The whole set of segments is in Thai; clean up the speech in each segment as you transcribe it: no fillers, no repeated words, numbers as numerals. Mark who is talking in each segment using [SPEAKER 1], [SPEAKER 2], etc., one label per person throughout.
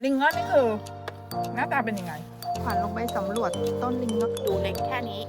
[SPEAKER 1] ลิงงอนนี่คือหน้าตาเป็นยังไง
[SPEAKER 2] ขวัญลงไปสำรวจต้นลิงงอน
[SPEAKER 1] ดูเล็กแค่นี้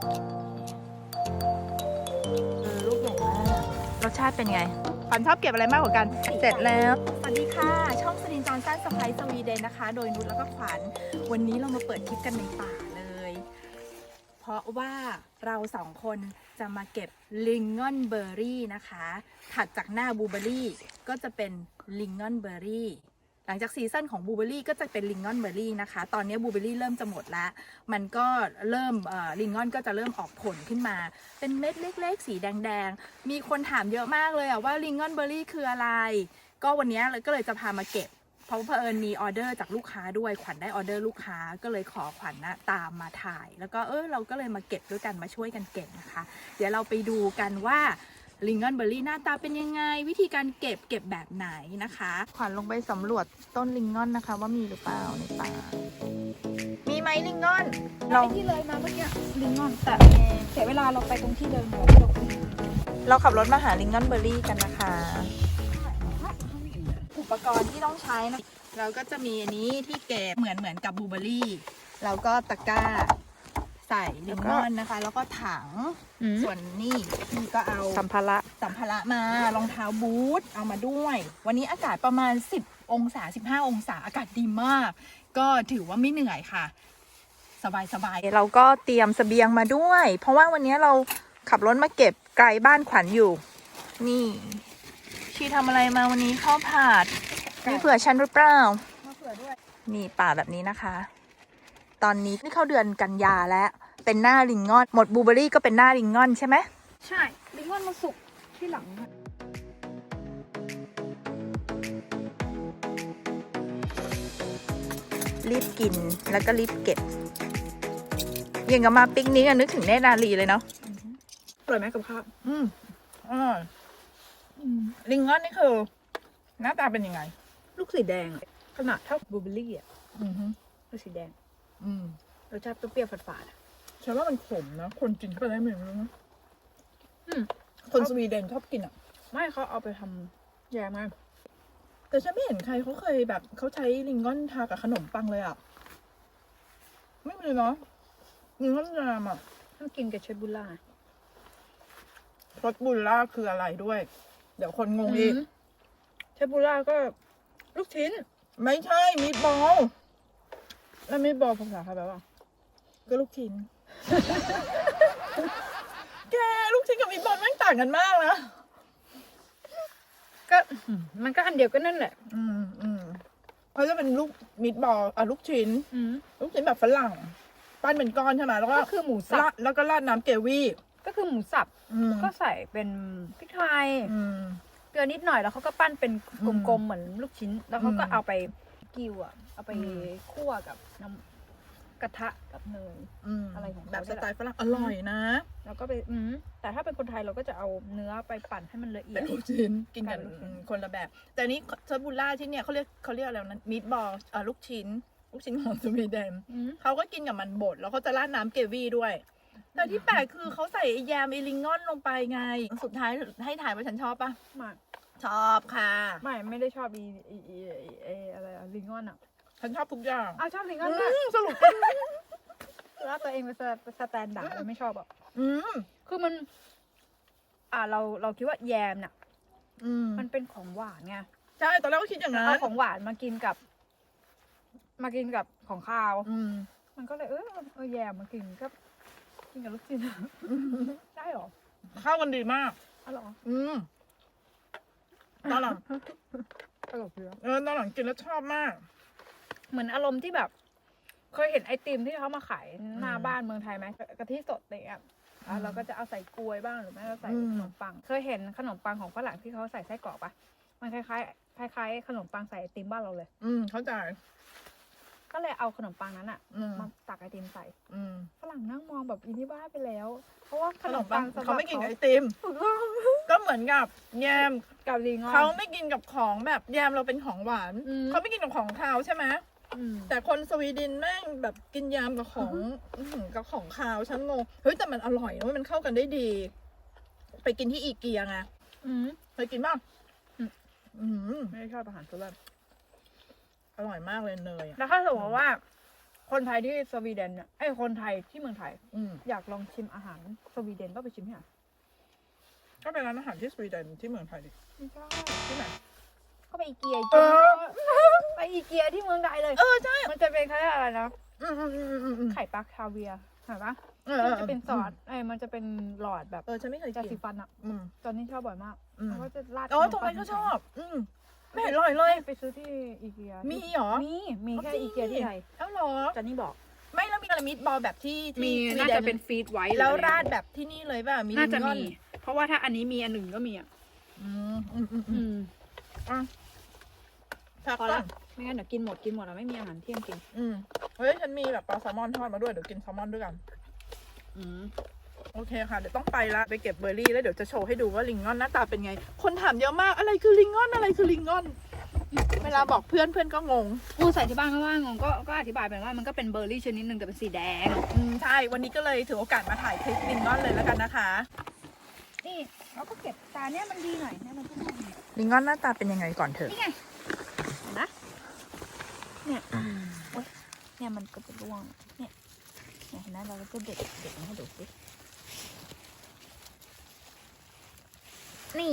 [SPEAKER 2] ลูกใหญ่มาก
[SPEAKER 1] รสชาติเป็นไงขวัญชอบเก็บอะไรมากกว่ากันเสร็จแล้ว
[SPEAKER 2] สวัสดีค่ะช่องสลินจอนสันสไปซ์สวีเดนนะคะโดยนุชแล้วก็ขวัญวันนี้เรามาเปิดคลิปกันในป่าเลยเพราะว่าเราสองคนจะมาเก็บลิงงอนเบอร์รี่นะคะถัดจากหน้าบลูเบอร์รี่ก็จะเป็นลิงงอนเบอร์รี่หลังจากซีซั่นของบลูเบอร์รี่ก็จะเป็นลิงงอนเบอร์รี่นะคะตอนนี้บลูเบอร์รี่เริ่มจะหมดแล้วมันก็เริ่มลิงงอนก็จะเริ่มออกผลขึ้นมาเป็นเม็ดเล็กๆสีแดงๆมีคนถามเยอะมากเลยว่าลิงงอนเบอร์รี่คืออะไรก็วันนี้ก็เลยจะพามาเก็บเพราะเผอิญมีออเดอร์จากลูกค้าด้วยขวัญได้ออเดอร์ลูกค้าก็เลยขอขวัญนะตามมาถ่ายแล้วก็เราก็เลยมาเก็บด้วยกันมาช่วยกันเก็บนะคะเดี๋ยวเราไปดูกันว่าลิงกอนเบอร์รี่หน้าตาเป็นยังไงวิธีการเก็บแบบไหนนะคะขวัญลงไปสำรวจต้นลิงกอนนะคะว่ามีหรือเปล่าในป่ามีไหมลิงกอน
[SPEAKER 3] เราที่เลยมาเมื่อกี้ลิงงอนแต่เสียเวลาเราไปตรงที่เดิม
[SPEAKER 2] เราขับรถมาหาลิงกอนเบอร์รี่กันนะคะอุปกรณ์ที่ต้องใช้นะเราก็จะมีอันนี้ที่เก็บเหมือนกับบลูเบอร์รี่แล้วก็ตะกร้าใส่ลิงกอนนะคะแล้วก็ถังส่วนนี่ก็เอาสัมภาระมารองเท้าบูทเอามาด้วย วันนี้อากาศประมาณ10 องศา15 องศาอากาศดีมากก็ถือว่าไม่เหนื่อยค่ะสบายเราก็เตรียมเสบียงมาด้วย เพราะว่าวันนี้เราขับรถมาเก็บไกลบ้านขวัญอยู่นี่ชีทำอะไรมาวันนี้ข้าวผัดมีเผื่อฉันหรือเปล่าเผื่อด้วยนี่ป่าแบบนี้นะคะตอนนี้นี่เข้าเดือนกันยาแล้วเป็นหน้าลิงงอนหมดบลูเบอร์รี่ก็เป็นหน้าลิงงอนใช่ไหม
[SPEAKER 3] ใช่ลิงงอนมาสุกที่หลัง
[SPEAKER 2] รีบกินแล้วก็รีบเก็บยังกับมาปิกนิกนึกถึงเนตรนารีเลยเนาะ
[SPEAKER 1] อร่อยไหมกับข้าวอร่อยลิงงอนนี่คือหน้าตาเป็นยังไง
[SPEAKER 3] ลูกสีแดงขนาดเท่าบลูเบอร์รี่อ่ะลูกสีแดงรสชาติเปรี้ยวๆฝาด
[SPEAKER 1] ๆฉันว่ามันขมนะคนกินเข้าไปได้ไหมไม่รู้นะคนสวีเดนชอบกินอ่ะ
[SPEAKER 3] ไม่เขาเอาไปทำแยมไง
[SPEAKER 1] แต่ฉันไม่เห็นใครเขาเคยแบบเขาใช้ลิงกอนทากับขนมปังเลยอ่ะไม่มีเนาะลิงกอนยามอ่ะ
[SPEAKER 3] ต้องกินกับเชฟบุล่าร
[SPEAKER 1] สบุลล่าคืออะไรด้วย เดี๋ยวคนงงอีก
[SPEAKER 3] เชฟบุล่าก็ลูกชิ้น
[SPEAKER 1] ไม่ใช่มีดบอล
[SPEAKER 3] แล้วมีบอลภาษาไทยแปลว่า
[SPEAKER 1] ก็ลูกชิ้น แกลูกชิ้นกับมีดบอลแม่งต่างกันมากนะ
[SPEAKER 3] ก็มันก็อันเดียวกันนั่นแหละ
[SPEAKER 1] เขาจะเป็นลูกมีดบอลลูกชิ้นลูกชิ้นแบบฝรั่งปั้นเป็นก้อนใช่ไหมแล้วก็
[SPEAKER 3] คือหมูสับ
[SPEAKER 1] แล้วก็ราดน้ำเกวี่
[SPEAKER 3] ก็คือหมูสับก็ใส่เป็นพริกไทยเกลือนิดหน่อยแล้วเขาก็ปั้นเป็นกลมๆเหมือนลูกชิ้นแล้วเขาก็เอาไปกิ้วเอาไปคั่วกับน้ำกระทะกับเนยอะไรของ
[SPEAKER 1] แบบสไตล์ฝรั่งอร่อยนะ
[SPEAKER 3] แล้วก็ไปแต่ถ้าเป็นคนไทยเราก็จะเอาเนื้อไปปั่นให้มันละเอียด
[SPEAKER 1] ลูกชิ้นกินกันคนละแบบแต่นี้เชฟบุลล่าที่เนี่ยเขาเรียกอะไรนั้นมีดบอลลูกชิ้นของสวีเดนเขาก็กินกับมันบดแล้วเขาจะราดน้ำเกวี่ด้วยแต่ที่แปลกคือเขาใส่แยมลิงงอนลงไปไงสุดท้ายให้ถ่ายว่าฉันชอบปะ
[SPEAKER 3] ไม่
[SPEAKER 1] ชอบค่ะ
[SPEAKER 3] ไม่ได้ชอบอะไรลิงงอนอ่ะ
[SPEAKER 1] ฉันชอบทุกอย่าง
[SPEAKER 3] ชอบลิงงอน
[SPEAKER 1] สรุป
[SPEAKER 3] ว่าตัวเองเป็นสแตนดาร์ดไม่ชอบอ่ะคือมันเราคิดว่าแยมน่ะมันเป็นของหวานไง
[SPEAKER 1] ใช่ตอนแรกก็คิดอย่างนั้น
[SPEAKER 3] เอาของหวานมากินกับของข้าวมันก็เลยแยมมากินกับลูกชิ้นได้หรอ
[SPEAKER 1] เข้ากันดีมาก
[SPEAKER 3] อร่อย
[SPEAKER 1] ตอนหลัง
[SPEAKER 3] อร่อยเยอะ
[SPEAKER 1] ตอนหลังกินแล้วชอบมาก
[SPEAKER 3] เหมือนอารมณ์ที่แบบเคยเห็นไอติมที่เขามาขายหน้าบ้านเมืองไทยไหมกะทิสดเนี่ยเราก็จะเอาใส่กล้วยบ้างหรือไม่ก็ใส่ขนมปังเคยเห็นขนมปังของฝรั่งที่เขาใส่ไส้กรอกปะมันคล้ายขนมปังใส่ไอติมบ้านเราเลย
[SPEAKER 1] เข้าใจ
[SPEAKER 3] ก็เลยเอาขนมปังนั้นมาตักไอติมใส่ฝรั่งนั่งมองแบบอีนี่บ้าไปแล้วเพราะว่าขนมปัง
[SPEAKER 1] เขาไม่กินไอติมก็เหมือนกับแยม
[SPEAKER 3] กับลิง
[SPEAKER 1] เขาไม่กินกับของแบบแยมเราเป็นของหวานเขาไม่กินกับของคาวใช่ไหมแต่คนสวีเดนแม่งแบบกินยำกับของคาวฉันงงเฮ้ยแต่มันอร่อยนะมันเข้ากันได้ดีไปกินที่อีเกียไงเคยกินบ้าง
[SPEAKER 3] ไม่ชอบอาหารฝรั่ง
[SPEAKER 1] อร่อยมากเลยเนยอะ
[SPEAKER 3] แล้วถ้าสมมติว่า คนไทยที่สวีเดนเนี่ยคนไทยที่เมืองไทย
[SPEAKER 1] อืม
[SPEAKER 3] อยากลองชิมอาหารสวีเดนก็ไปชิมที่ไหน
[SPEAKER 1] ก็เป็นร้านอาหารที่สวีเดนที่เมืองไทยดิ
[SPEAKER 3] ไม่ใช่
[SPEAKER 1] ที่ไหน
[SPEAKER 3] ก็ไปอีเกีย
[SPEAKER 1] เออ
[SPEAKER 3] ไปอีเกียที่เมืองไทยเลย
[SPEAKER 1] ใช่
[SPEAKER 3] มันจะเป็นคล้ายๆอะไรนะ
[SPEAKER 1] อืม
[SPEAKER 3] ไข่ปลาคาเวียร์เห็นปะ
[SPEAKER 1] เออ
[SPEAKER 3] มันจะเป็นซอสมันจะเป็นหลอดแบบ
[SPEAKER 1] ฉันไม่เคย
[SPEAKER 3] ยา
[SPEAKER 1] กิน
[SPEAKER 3] สีฟันอะ
[SPEAKER 1] อืม
[SPEAKER 3] ตอนนี้ชอบบ่อยมาก
[SPEAKER 1] อืม
[SPEAKER 3] แล้วก็จะราด
[SPEAKER 1] ตรงนั้นก็ชอบ ไม่เห็นอร่อยเลย
[SPEAKER 3] ไปซื้อที่อีเกีย
[SPEAKER 1] มีเหรอ
[SPEAKER 3] มีแค่อีเกียที่ไทย
[SPEAKER 1] เอ้าเหรอ
[SPEAKER 3] จอนนี่บอก
[SPEAKER 1] ไม่แล้วมีอะไรมิตบอลแบบที่
[SPEAKER 3] มี
[SPEAKER 1] สวี
[SPEAKER 3] น่า
[SPEAKER 1] ด
[SPEAKER 3] จะเป็นฟีดไว้
[SPEAKER 1] แล้วราดแบบที่นี่เลยป่ะมี
[SPEAKER 3] น่าจะ
[SPEAKER 1] ลิงกอ
[SPEAKER 3] มี เพราะว่าถ้าอันนี้มีอันหนึ่งก็มีอ่ะ
[SPEAKER 1] พัก
[SPEAKER 3] พอ
[SPEAKER 1] ก่
[SPEAKER 3] ละ
[SPEAKER 1] อน
[SPEAKER 3] ไม่งั้นเดี๋ยวกินหมดแล้วไม่มีอาหารเที่ยงกิน
[SPEAKER 1] เฮ้ยฉันมีแบบปลาแซลมอนทอดมาด้วยเดี๋ยวกินแซลมอนด้วยกัน
[SPEAKER 3] อืม
[SPEAKER 1] โอเคค่ะเดี๋ยวต้องไปละไปเก็บเบอร์รี่แล้วเดี๋ยวจะโชว์ให้ดูว่าลิงกอนหน้าตาเป็นไง คนถามเยอะมากอะไรคือลิงกอนอะไรคือลิงกอนเวลาบอกเพื่อนก็งง
[SPEAKER 3] กูใส่ที่บ้านก็ว่างงก็อธิบายไปว่ามันก็เป็นเบอร์รี่ชนิดหนึ่งแต่เป็นสีแดง
[SPEAKER 1] ใช่วันนี้ก็เลยถือโอกาสมาถ่ายคลิปลิงกอนเลยแล้วกันนะคะ
[SPEAKER 3] นี่เราก็เก็บตาเนี้ยมันดีหน่อยเนี่ยมันก็ดี
[SPEAKER 1] ลิงกอนหน้าตาเป็นยังไงก่อนเถอะ
[SPEAKER 3] นี่ไงเห็นไหมเนี่ยโอ๊ยเนี่ยมันก็จะร่วงเนี่ยเห็นไหมเราก็จะเด็ดมาให้ดูสินี่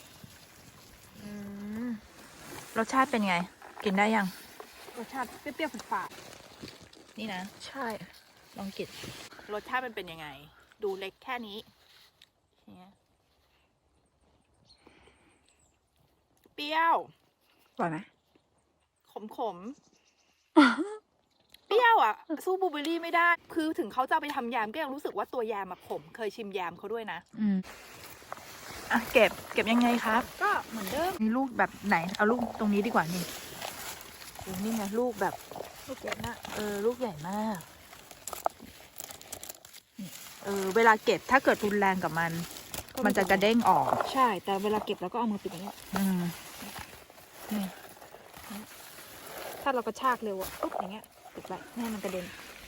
[SPEAKER 1] รสชาติเป็นไง กินได้ยัง
[SPEAKER 3] รสชาติเปรี้ยวๆฝาด
[SPEAKER 1] นี่นะ
[SPEAKER 3] ๆใช่
[SPEAKER 1] ลองกินรสชาติมันเป็นยังไง ดูเล็กแค่นี้เนี่ยเปรี้ยว
[SPEAKER 3] อร่อยไหม
[SPEAKER 1] ขม เปรี้ยวอ่ะ สู้บลูเบอร์รี่ไม่ได้ คือถึงเขาจะเอาไปทำแยมก็ยังรู้สึกว่าตัวแยมอะขม เคยชิมแยมเขาด้วยนะอ่ะเก็บยังไงครับ
[SPEAKER 3] ก็เหมือนเดิม
[SPEAKER 1] มีลูกแบบไหน เอาลูกตรงนี้ดีกว่านี่นี่ไงลูกแบบ
[SPEAKER 3] ลูกเก็บนะ
[SPEAKER 1] ลูกใหญ่มากนี่เวลาเก็บถ้าเกิดรุนแรงกับมัน มันจะกระเด้งออก
[SPEAKER 3] ใช่ แต่เวลาเก็บเราก็เอามือปิดอย่างนี้
[SPEAKER 1] นี่
[SPEAKER 3] ถ้าเรากระชากเร็วอะปุ๊บอย่างเงี้ยปิดไว้ไม่ให้มันกระเด็น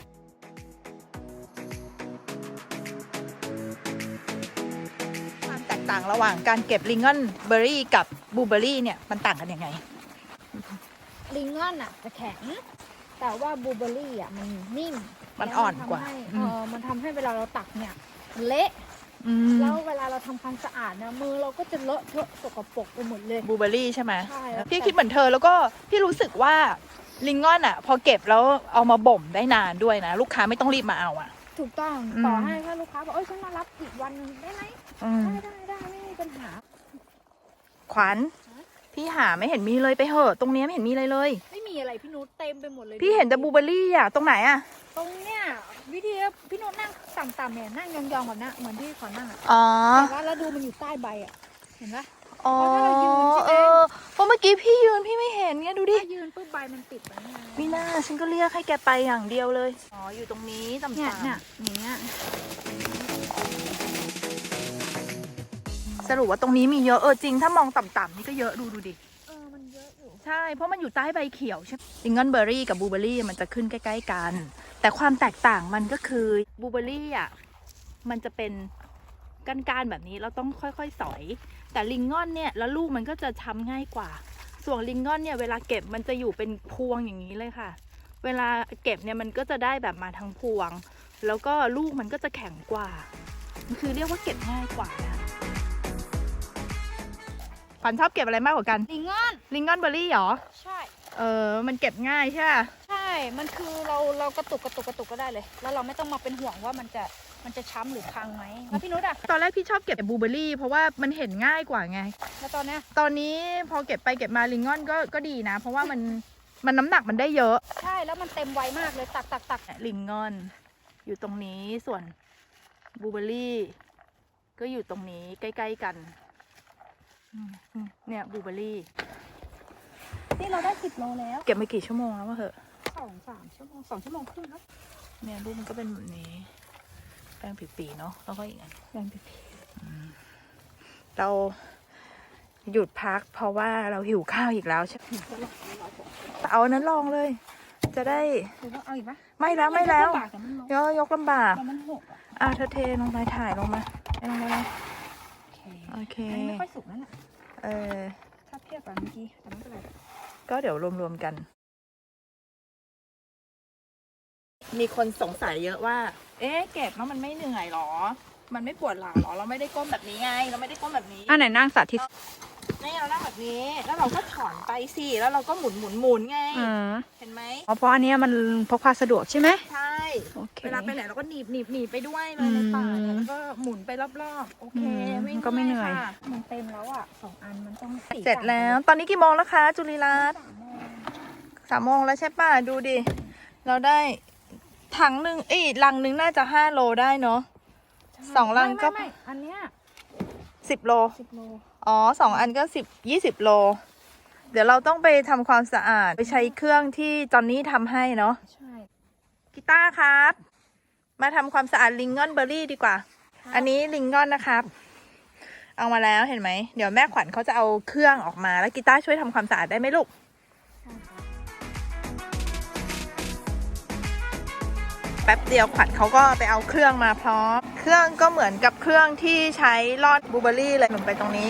[SPEAKER 1] ความแตกต่างระหว่างการเก็บลิงกอนเบอร์รี่กับบลูเบอร์รี่เนี่ยมันต่างกันยังไง
[SPEAKER 3] ลิงกอนอะจะแข็ง แต่ว่าบลูเบอร์รี่อะมันนิ่ม
[SPEAKER 1] มันอ่อนกว่า
[SPEAKER 3] มันทำให้เวลาเราตักเนี่ยมันเละ แล้วเวลาเราทำความสะอาดเนี่ยมือเราก็จะเลอะเทอะสกปรกไปหมดเลย
[SPEAKER 1] บลูเบอร์รี่ใช่ไหม
[SPEAKER 3] ใช่
[SPEAKER 1] พี่คิดเหมือนเธอแล้วก็พี่รู้สึกว่าลิงกอนอ่ะ พอเก็บแล้วเอามาบ่มได้นานด้วยนะ ลูกค้าไม่ต้องรีบมาเอาอ่ะ
[SPEAKER 3] ถูกต้อง ต่อให้ถ้าลูกค้าบอกฉันมารับอีกวันนึงได้ไหมได้ไม่มีปัญหา
[SPEAKER 1] ขวัญพี่หาไม่เห็นมีเลยไปเหอะตรงเนี้ยไม่เห็นมีอะไรเลย
[SPEAKER 3] ไม่มีอะไรพี่นุชเต็มไปหมดเลย
[SPEAKER 1] พี่เห็นแต่บลูเบอร์รี่อ่ะตรงไหนอ่ะ
[SPEAKER 3] ตรงเนี้ยวิธีพี่นุชนั่งต่ำๆเนี่ยนั่งยองๆแบบนี้เหมือนที่ขอนั่งอะ
[SPEAKER 1] อ๋อ
[SPEAKER 3] แต่ว่าแล้วดูมันอยู่ใต้ใบอ่ะ เห็นปะ
[SPEAKER 1] อ๋อ
[SPEAKER 3] เพราะถ้าเรายืนใช่ไหม
[SPEAKER 1] เพราะเมื่อกี้พี่ยืนพี่ไม่เห็นไงดูดิ
[SPEAKER 3] ถ้ายืนปุ๊บใบมันปิดไว้ไง
[SPEAKER 1] มีหน้าฉันก็เรียกให้แกไปอย่างเดียวเลย อ๋อ อยู่ตรงนี้ต่ำ
[SPEAKER 3] เนี่ยอย่างเงี้ย
[SPEAKER 1] ๆสรุปว่าตรงนี้มีเยอะจริง ถ้ามองต่ำๆนี่ก็เยอะดูดิ
[SPEAKER 3] มันเยอะอยู่
[SPEAKER 1] ใช่ เพราะมันอยู่ใต้ใบเขียวใช่ไหมลิงกอนเบอร์รี่กับบลูเบอร์รี่มันจะขึ้นใกล้ๆกัน แต่ความแตกต่างมันก็คือบลูเบอร์รี่อ่ะ มันจะเป็นก้านๆแบบนี้เราต้องค่อยๆสอย แต่ลิงกอนเนี่ยแล้วลูกมันก็จะช้ำง่ายกว่า ส่วนลิงกอนเนี่ยเวลาเก็บมันจะอยู่เป็นพวงอย่างนี้เลยค่ะ เวลาเก็บเนี่ยมันก็จะได้แบบมาทั้งพวง แล้วก็ลูกมันก็จะแข็งกว่ามันคือเรียกว่าเก็บง่ายกว่านะขวัญชอบเก็บอะไรมากกว่ากัน
[SPEAKER 3] ลิงกอน
[SPEAKER 1] ลิงกอนเบอร์รี่เหรอ
[SPEAKER 3] ใช่
[SPEAKER 1] มันเก็บง่ายใช่ไหม
[SPEAKER 3] ใช่ มันคือเรากระตุกก็ได้เลย แล้วเราไม่ต้องมาเป็นห่วงว่ามันจะช้ำหรือพังไหมแล้วพี่นุชอะ
[SPEAKER 1] ตอนแรกพี่ชอบเก็บบลูเบอร์รี่เพราะว่ามันเห็นง่ายกว่าไง
[SPEAKER 3] แล้วตอนเนี้ย
[SPEAKER 1] ตอนนี้พอเก็บไปเก็บมาลิงกอนก็ดีนะ เพราะว่ามันน้ำหนักมันได้เยอะ
[SPEAKER 3] ใช่แล้วมันเต็มไวมากเลยตัก
[SPEAKER 1] ลิงกอนอยู่ตรงนี้ส่วนบลูเบอร์รี่ก็อยู่ตรงนี้ใกล้ๆกันเนี่ยบลูเบอร์รี่
[SPEAKER 3] นี่เราได้10 โลแล้ว
[SPEAKER 1] เก็บมากี่ชั่วโมงแล้ววะเหอะ
[SPEAKER 3] 2-3 ชั่วโมง2 ชั่วโมงครึ่งครับ
[SPEAKER 1] เนี่ยรูปมันก็เป็นแบบนี้แป้งปีๆเนาะแล้วก็อีกอัน
[SPEAKER 3] แรงผิด
[SPEAKER 1] เราหยุดพักเพราะว่าเราหิวข้าวอีกแล้วใช่ไหมเอาอันนั้นลองเลย จะได้
[SPEAKER 3] หรือว่าเอาอีกปะ
[SPEAKER 1] ไม่แล้วไม่แล้ว
[SPEAKER 3] แต่มันลง
[SPEAKER 1] ยกลำบาก
[SPEAKER 3] แต่มันหกอ่ะ
[SPEAKER 1] เธอเทลงไปถ่ายลงมาลงมาเลย
[SPEAKER 3] โอเค
[SPEAKER 1] โอเค
[SPEAKER 3] อันนี้ไม่ค่อยสุกนั่นแหละ
[SPEAKER 1] เออ
[SPEAKER 3] ถ้าเทียบกับเมื่อกี้แต่ไม่เป็นไร
[SPEAKER 1] ก็เดี๋ยวรวมๆกันมีคนสงสัยเยอะว่า เอ๊ะเก็บแล้วมันไม่เหนื่อยหรอ มันไม่ปวดหลังหรอ เราไม่ได้ก้มแบบนี้ไง เราไม่ได้ก้มแบบนี้
[SPEAKER 3] อันไหนนั่งสาธิต
[SPEAKER 1] นี่เรานั่งแบบนี้ แล้วเราก็ถอนไปสิ แล้วเราก็หมุนไง
[SPEAKER 3] อ๋อ
[SPEAKER 1] เห็นไหม
[SPEAKER 3] เพราะอันเนี้ยมันพกพาสะดวกใช่ไหม
[SPEAKER 1] ใช่
[SPEAKER 3] โอเค
[SPEAKER 1] เวลาไปไหนเราก็หนีบไปด้วยเลยในป่าเนี่ยแล้วก็หมุนไปรอบๆ โอเค วิ่ง
[SPEAKER 3] มันก็ไม่เหนื่อย
[SPEAKER 1] ค่ะ
[SPEAKER 3] มันเต็มแล้วอ่ะ2 อันมันต้อง
[SPEAKER 1] เสร็จแล้ว ตอนนี้กี่โมงแล้วคะ จุลีรัตน์3 โมงแล้วใช่ป่ะ ดูดิ เราได้ถังหนึ่งลังหนึ่งน่าจะ5 โลได้เนาะ 2 ลังก็
[SPEAKER 3] ไม่อันเนี้ย
[SPEAKER 1] 10 โล
[SPEAKER 3] 10 โล
[SPEAKER 1] อ๋อ2 อันก็20 โล เดี๋ยวเราต้องไปทำความสะอาด ไปใช้เครื่องที่จอนนี่ทำให้เนาะ
[SPEAKER 3] ใช่
[SPEAKER 1] กีตาร์ครับ มาทำความสะอาดลิงกอนเบอร์รี่ดีกว่า อันนี้ลิงกอนนะครับ เอามาแล้วเห็นไหม เดี๋ยวแม่ขวัญเขาจะเอาเครื่องออกมา แล้วกีตาร์ช่วยทำความสะอาดได้ไหมลูก แป๊บเดียวขวัญเขาก็ไปเอาเครื่องมาพร้อม เครื่องก็เหมือนกับเครื่องที่ใช้รอดบลูเบอร์รี่เลยหนุนไปตรงนี้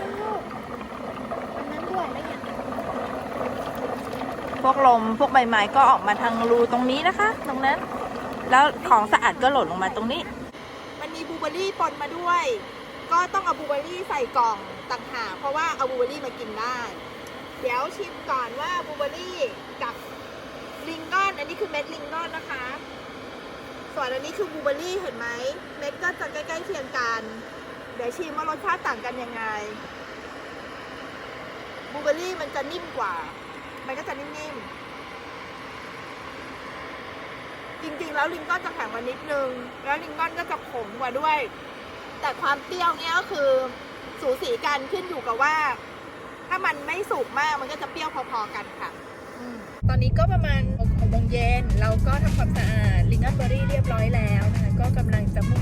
[SPEAKER 1] พวกลมพวกใบไม้ก็ออกมาทางรูตรงนี้นะคะ ตรงนั้น แล้วของสะอาดก็หล่นลงมาตรงนี้ มันมีบลูเบอร์รี่ปนมาด้วย ก็ต้องเอาบลูเบอร์รี่ใส่กล่องต่างหากเพราะว่าเอาบลูเบอร์รี่มากินได้ เดี๋ยวชิมก่อนว่าบลูเบอร์รี่กับลิงกอนอันนี้คือเม็ดลิงกอนนะคะ ส่วนอันนี้คือบลูเบอร์รี่เห็นไหมเม็ดก็จะใกล้ๆเคียงกัน เดี๋ยวชิมว่ารสชาติต่างกันยังไงบลูเบอร์รี่มันจะนิ่มกว่า มันก็จะนิ่มๆ จริงๆ แล้วลิงกอนจะแข็งกว่านิดนึง แล้วลิงกอนก็จะขมกว่าด้วย แต่ความเปรี้ยวเนี่ยก็คือสูสีกันขึ้นอยู่กับว่า ถ้ามันไม่สุกมากมันก็จะเปรี้ยวพอๆกันค่ะ ตอนนี้ก็ประมาณ6 โมงเย็นเราก็ทำความสะอาดลิงกอนเบอร์รี่เรียบร้อยแล้วนะคะก็กำลังจะ